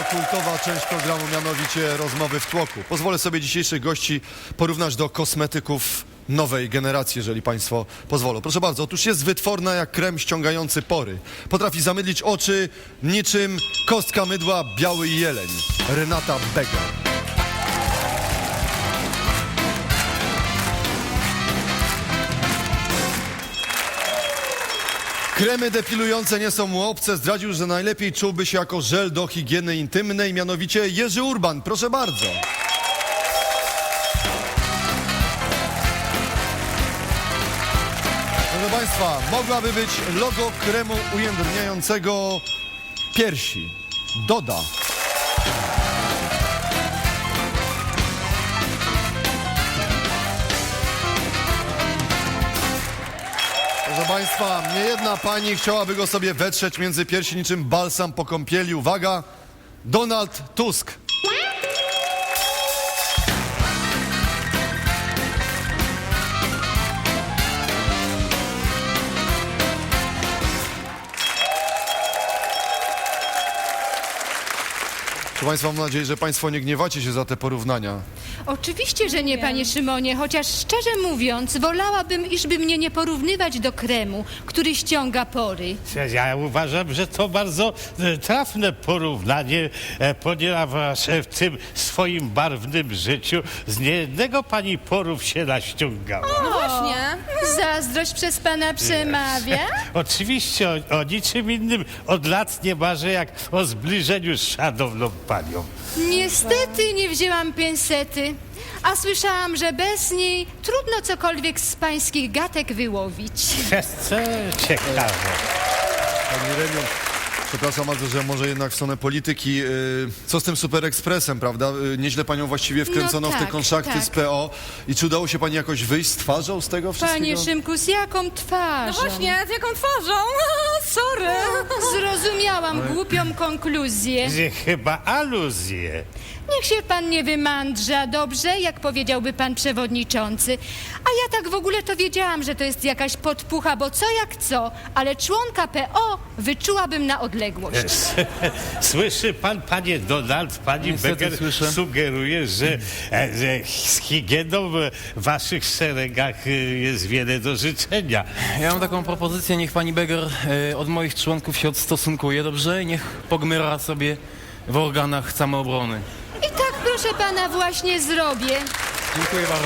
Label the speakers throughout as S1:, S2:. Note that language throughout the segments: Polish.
S1: kultowa część programu, mianowicie rozmowy w tłoku. Pozwolę sobie dzisiejszych gości porównać do kosmetyków nowej generacji, jeżeli państwo pozwolą. Proszę bardzo, otóż jest wytworna jak krem ściągający pory. Potrafi zamydlić oczy niczym kostka mydła biały jeleń. Renata Beger. Kremy depilujące nie są mu obce. Zdradził, że najlepiej czułby się jako żel do higieny intymnej, mianowicie Jerzy Urban. Proszę bardzo. Proszę państwa, mogłaby być logo kremu ujędrniającego piersi. Doda. Proszę państwa, niejedna pani chciałaby go sobie wetrzeć między piersi niczym balsam po kąpieli. Uwaga, Donald Tusk. Proszę państwa, mam nadzieję, że państwo nie gniewacie się za te porównania.
S2: Oczywiście, że nie, panie Szymonie, chociaż szczerze mówiąc, wolałabym, iżby mnie nie porównywać do kremu, który ściąga pory.
S3: Ja uważam, że to bardzo trafne porównanie, ponieważ w tym swoim barwnym życiu z niejednego pani porów się naściągała.
S4: No właśnie.
S2: Zazdrość przez pana przemawia?
S3: Oczywiście o niczym innym od lat nie marzę, jak o zbliżeniu z szanowną panią.
S2: Niestety nie wzięłam pinsety, a słyszałam, że bez niej trudno cokolwiek z pańskich gatek wyłowić.
S3: Co ciekawe.
S1: Pani Reniu, przepraszam bardzo, że może jednak w stronę polityki. Co z tym Super Expressem, prawda? Nieźle panią właściwie wkręcono
S2: No
S1: w te
S2: tak,
S1: kontrakty
S2: tak.
S1: z PO. I czy udało się pani jakoś wyjść z twarzą z tego wszystkiego?
S2: Panie Szymku, z jaką twarzą?
S4: No właśnie, z jaką twarzą? Sorry.
S2: Zrozumiałam głupią konkluzję.
S3: Chyba aluzje.
S2: Niech się pan nie wymądrza, dobrze? Jak powiedziałby pan przewodniczący. A ja tak w ogóle to wiedziałam, że to jest jakaś podpucha, bo co jak co, ale członka PO wyczułabym na odległość.
S3: Słyszy pan, panie Donald, pani
S5: Niestety
S3: Beger
S5: słyszę.
S3: sugeruje, że z higieną w waszych szeregach jest wiele do życzenia.
S5: Ja mam taką propozycję, niech pani Beger od moich członków się odstosunkuje, dobrze? Niech pogmyra sobie w organach samoobrony.
S2: I tak, proszę pana, właśnie zrobię.
S5: Dziękuję bardzo.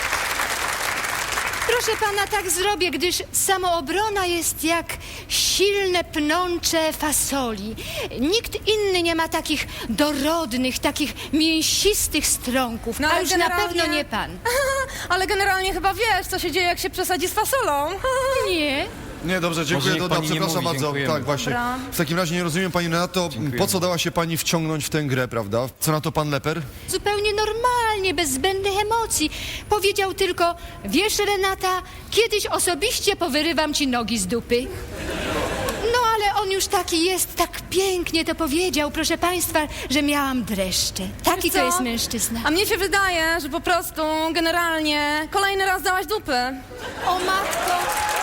S2: Proszę pana, tak zrobię, gdyż samoobrona jest jak silne pnącze fasoli. Nikt inny nie ma takich dorodnych, takich mięsistych strąków,
S4: No,
S2: a
S4: ale
S2: już na
S4: generalnie-
S2: pewno nie pan.
S4: Ale generalnie chyba wiesz, co się dzieje, jak się przesadzi z fasolą.
S2: Nie.
S1: Nie, dobrze, dziękuję,
S5: niech
S1: Doda,
S5: pani nie
S1: przepraszam
S5: mówi,
S1: bardzo.
S5: dziękujemy.
S1: Tak, właśnie.
S4: Dobra.
S1: W takim razie nie rozumiem, pani Renato, po co dała się pani wciągnąć w tę grę, prawda? Co na to pan Leper?
S2: Zupełnie normalnie, bez zbędnych emocji. Powiedział tylko, wiesz Renata, kiedyś osobiście powyrywam ci nogi z dupy. No ale on już taki jest, tak pięknie to powiedział, proszę państwa, że miałam dreszcze. Taki to
S4: Co?
S2: jest mężczyzna.
S4: A mnie się wydaje, że po prostu generalnie kolejny raz dałaś dupy.
S2: O matko,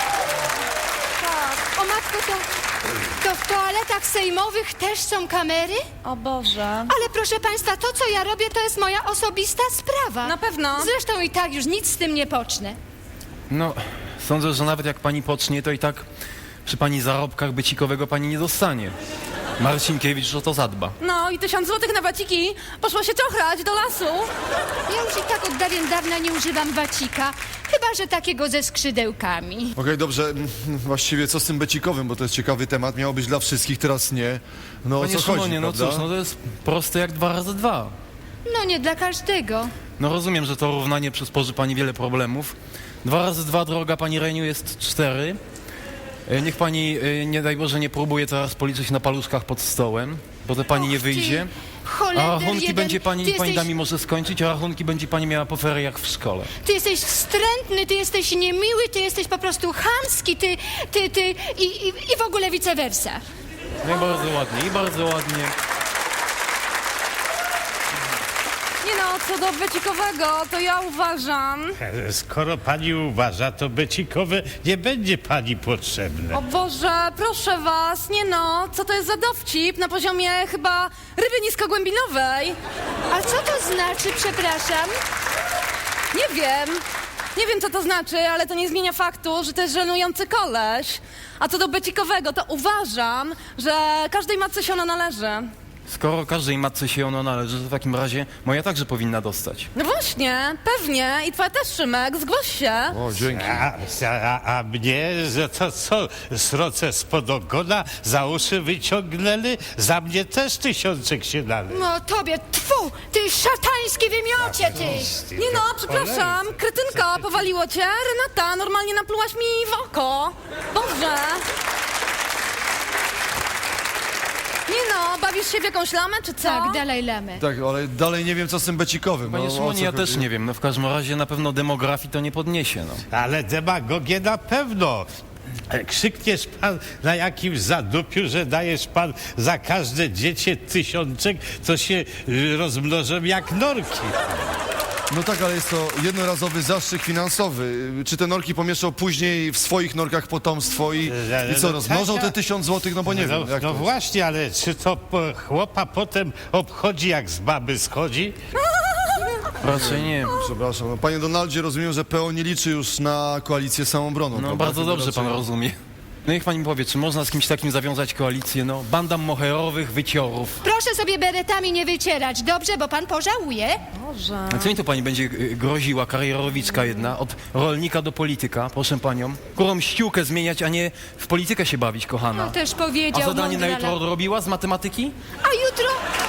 S4: Tak.
S2: o matko, to w toaletach sejmowych też są kamery?
S4: O Boże.
S2: Ale proszę państwa, to co ja robię, to jest moja osobista sprawa.
S4: Na pewno.
S2: Zresztą i tak już nic z tym nie pocznę.
S5: No, sądzę, że nawet jak pani pocznie, to i tak przy pani zarobkach bycikowego pani nie dostanie. Marcinkiewicz o to zadba.
S4: No i 1000 złotych na waciki poszło się czochrać do lasu.
S2: Ja już i tak od dawien dawna nie używam wacika, chyba że takiego ze skrzydełkami.
S1: Okej, dobrze, właściwie co z tym becikowym, bo to jest ciekawy temat. Miało być dla wszystkich, teraz nie. No o
S5: Panie
S1: co chodzi,
S5: Szymonie, no
S1: prawda?
S5: cóż, no to jest proste jak 2 razy 2.
S2: No nie dla każdego.
S5: No rozumiem, że to równanie przysporzy pani wiele problemów. 2 razy 2, droga pani Reniu, jest 4. Niech pani, nie daj Boże, nie próbuje teraz policzyć na paluszkach pod stołem, bo to pani nie wyjdzie. A
S2: Holender
S5: rachunki
S2: jeden.
S5: będzie pani,
S2: Ty
S5: pani
S2: jesteś,
S5: da mi może skończyć, a rachunki będzie pani miała po feriach w szkole.
S2: ty jesteś wstrętny, ty jesteś niemiły, ty jesteś po prostu chamski, ty i w ogóle vice versa.
S5: No i bardzo ładnie, i bardzo ładnie.
S4: Nie no, no, co do becikowego, to ja uważam...
S3: Skoro pani uważa, to becikowe nie będzie pani potrzebne.
S4: O Boże, proszę was, nie no, co to jest za dowcip na poziomie chyba ryby niskogłębinowej?
S2: A co to znaczy, przepraszam?
S4: Nie wiem. Nie wiem, co to znaczy, ale to nie zmienia faktu, że to jest żenujący koleś. A co do becikowego, to uważam, że każdej matce się ono należy.
S5: Skoro każdej matce się ono należy, to w takim razie moja także powinna dostać.
S4: No właśnie, pewnie. I twoja też, Szymek, zgłoś się.
S1: O, dzięki.
S3: A mnie, że to co, sroce spod ogona za uszy wyciągnęli? Za mnie też 1000 się należy.
S2: No tobie, tfu, ty szatański wymiocie, ty!
S4: Nie no, przepraszam, kretynka, powaliło cię? Renata, normalnie naplułaś mi w oko. Boże. Nie no, bawisz się w jakąś lamę, czy co?
S2: Tak, Dalaj Lamę.
S1: Tak, ale dalej nie wiem, co z tym becikowym.
S5: Panie
S1: No, o
S5: Szymonie,
S1: co
S5: ja też
S1: chodzi?
S5: nie wiem. No w każdym razie na pewno demografii to nie podniesie, no.
S3: Ale demagogię na pewno. Krzykniesz pan na jakimś zadupiu, że dajesz pan za każde dziecię 1000, to się rozmnożą jak norki.
S1: No tak, ale jest to jednorazowy zastrzyk finansowy. Czy te norki pomieszczą później w swoich norkach potomstwo i co, rozmnożą te 1000 złotych? No bo nie wiem, jak to
S3: No
S1: jest.
S3: właśnie, ale czy to chłopa potem obchodzi, jak z baby schodzi?
S5: Raczej nie.
S1: Przepraszam, no, panie Donaldzie, rozumiem, że PO nie liczy już na koalicję samobroną.
S5: No
S1: prawda?
S5: bardzo
S1: Chyba
S5: dobrze pan
S1: raczej-
S5: rozumie. No niech pani mi powie, czy można z kimś takim zawiązać koalicję? No, banda moherowych wyciorów.
S2: Proszę sobie beretami nie wycierać, dobrze, bo pan pożałuje.
S4: Boże.
S5: A co mi to pani będzie groziła, karierowiczka jedna, od rolnika do polityka, proszę panią? Którą ściółkę zmieniać, a nie w politykę się bawić, kochana.
S2: No też
S5: A
S2: powiedział
S5: zadanie na jutro
S2: mądrala.
S5: odrobiła z matematyki?
S2: A jutro...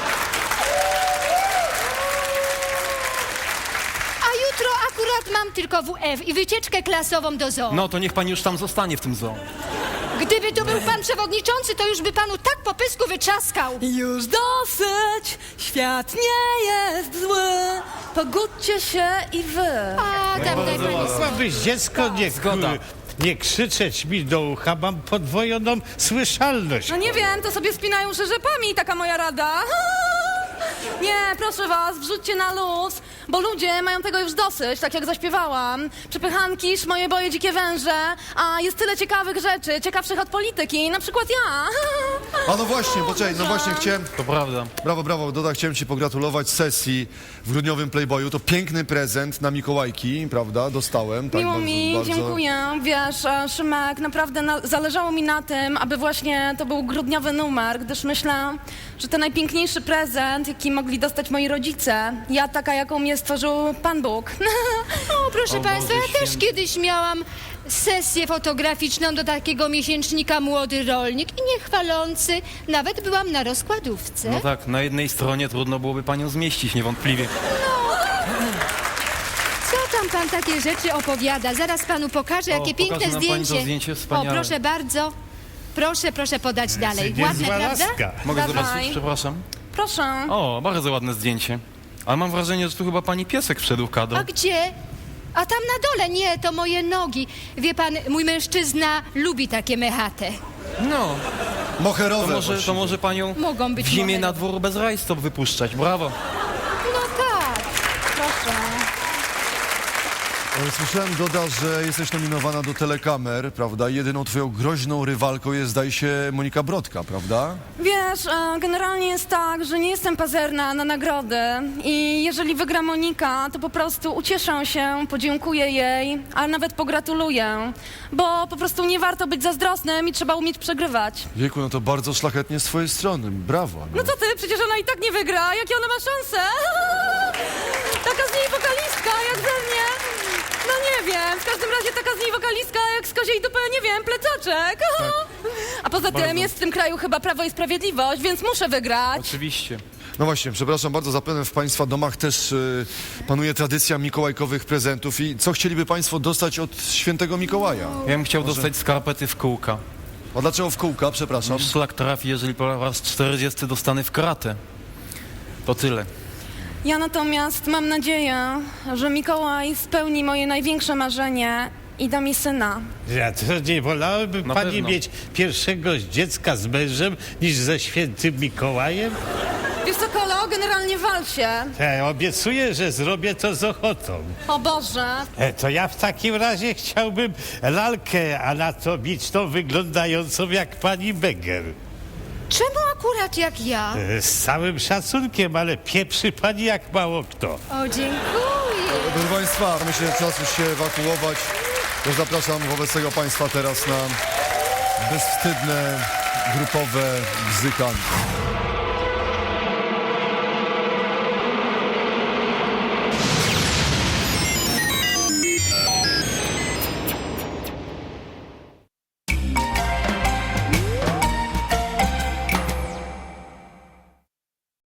S2: A jutro akurat mam tylko WF i wycieczkę klasową do zoo.
S5: No to niech pani już tam zostanie w tym zoo.
S2: Gdyby tu był pan przewodniczący, to już by panu tak po pysku wyczaskał.
S4: Już dosyć, świat nie jest zły. Pogódźcie się i wy.
S2: A, tam daj pani
S3: Mogłabyś dziecko
S5: Zgoda.
S3: nie krzyczeć mi do ucha, mam podwojoną słyszalność.
S4: No nie wiem, to sobie spinają rzepami, taka moja rada. Nie, proszę was, wrzućcie na luz, bo ludzie mają tego już dosyć, tak jak zaśpiewałam. Przepychanki, moje boje, dzikie węże, a jest tyle ciekawych rzeczy, ciekawszych od polityki, na przykład ja.
S1: A no właśnie, poczekaj, no właśnie chciałem...
S5: To prawda.
S1: Brawo, brawo, Doda, chciałem ci pogratulować sesji w grudniowym Playboyu. To piękny prezent na Mikołajki, prawda? Dostałem. Tak,
S4: Miło
S1: bardzo,
S4: mi,
S1: bardzo...
S4: dziękuję. Wiesz, Szymek, naprawdę zależało mi na tym, aby właśnie to był grudniowy numer, gdyż myślę, że to najpiękniejszy prezent, jaki mogli dostać moi rodzice. Ja taka, jaką mnie stworzył Pan Bóg.
S2: O, proszę
S5: O
S2: państwa,
S5: Boże
S2: ja też
S5: święty.
S2: kiedyś miałam sesję fotograficzną do takiego miesięcznika Młody Rolnik i niechwalący. Nawet byłam na rozkładówce.
S5: No tak, na jednej stronie trudno byłoby panią zmieścić, niewątpliwie.
S2: Co tam pan takie rzeczy opowiada? Zaraz panu pokażę,
S5: O,
S2: jakie
S5: pokaże
S2: piękne
S5: nam pani to
S2: zdjęcie.
S5: zdjęcie,
S2: O,
S5: wspaniałe.
S2: proszę bardzo. Proszę podać dalej. Ładne,
S3: Niezła
S2: prawda?
S3: laska.
S5: Mogę
S4: Dawaj.
S5: zobaczyć, przepraszam?
S4: Proszę.
S5: O, bardzo ładne zdjęcie. Ale mam wrażenie, że tu chyba pani piesek wszedł w kadr.
S2: A gdzie? A tam na dole, nie, to moje nogi. Wie pan, mój mężczyzna lubi takie mechate.
S5: No,
S1: Moherowe
S5: to może panią
S2: Mogą być
S5: w zimie
S2: moherowe.
S5: na dwór bez rajstop wypuszczać. Brawo.
S2: No tak.
S4: Proszę.
S1: Słyszałem, Doda, że jesteś nominowana do telekamer, prawda? Jedyną twoją groźną rywalką jest, zdaje się, Monika Brodka, prawda?
S4: Wiesz, generalnie jest tak, że nie jestem pazerna na nagrody i jeżeli wygra Monika, to po prostu ucieszę się, podziękuję jej, a nawet pogratuluję, bo po prostu nie warto być zazdrosnym i trzeba umieć przegrywać.
S1: Wieku, no to bardzo szlachetnie z twojej strony, brawo. No.
S4: No co ty, przecież ona i tak nie wygra, jakie ona ma szanse? Taka z niej wokalistka, jak ze mnie. No nie wiem, w każdym razie taka z niej wokalistka, jak z koziej dupy, nie wiem, plecaczek. A poza tym
S5: Bardzo.
S4: jest w tym kraju chyba Prawo i Sprawiedliwość, więc muszę wygrać.
S5: Oczywiście.
S1: No właśnie, przepraszam bardzo, zapewne w państwa domach też panuje tradycja mikołajkowych prezentów i co chcieliby państwo dostać od świętego Mikołaja?
S5: Ja bym chciał dostać skarpety w kółka.
S1: A dlaczego w kółka, przepraszam?
S5: Szlak trafi, jeżeli po raz 40 dostanę w kratę. To tyle.
S4: Ja natomiast mam nadzieję, że Mikołaj spełni moje największe marzenie i da mi syna.
S3: Ja to nie wolałaby
S5: Na
S3: pani
S5: pewno.
S3: mieć pierwszego dziecka z mężem niż ze świętym Mikołajem?
S4: Wiesz co, Kolo, generalnie wal się.
S3: Obiecuję, że zrobię to z ochotą.
S4: O Boże.
S3: To ja w takim razie chciałbym lalkę anatomiczną wyglądającą jak pani Beger.
S2: Czemu akurat jak ja?
S3: Z całym szacunkiem, ale pieprzy pani jak mało kto.
S2: O, dziękuję.
S1: Proszę Państwa, myślę, że czas już się ewakuować. Już zapraszam wobec tego Państwa teraz na bezwstydne, grupowe bzykanie.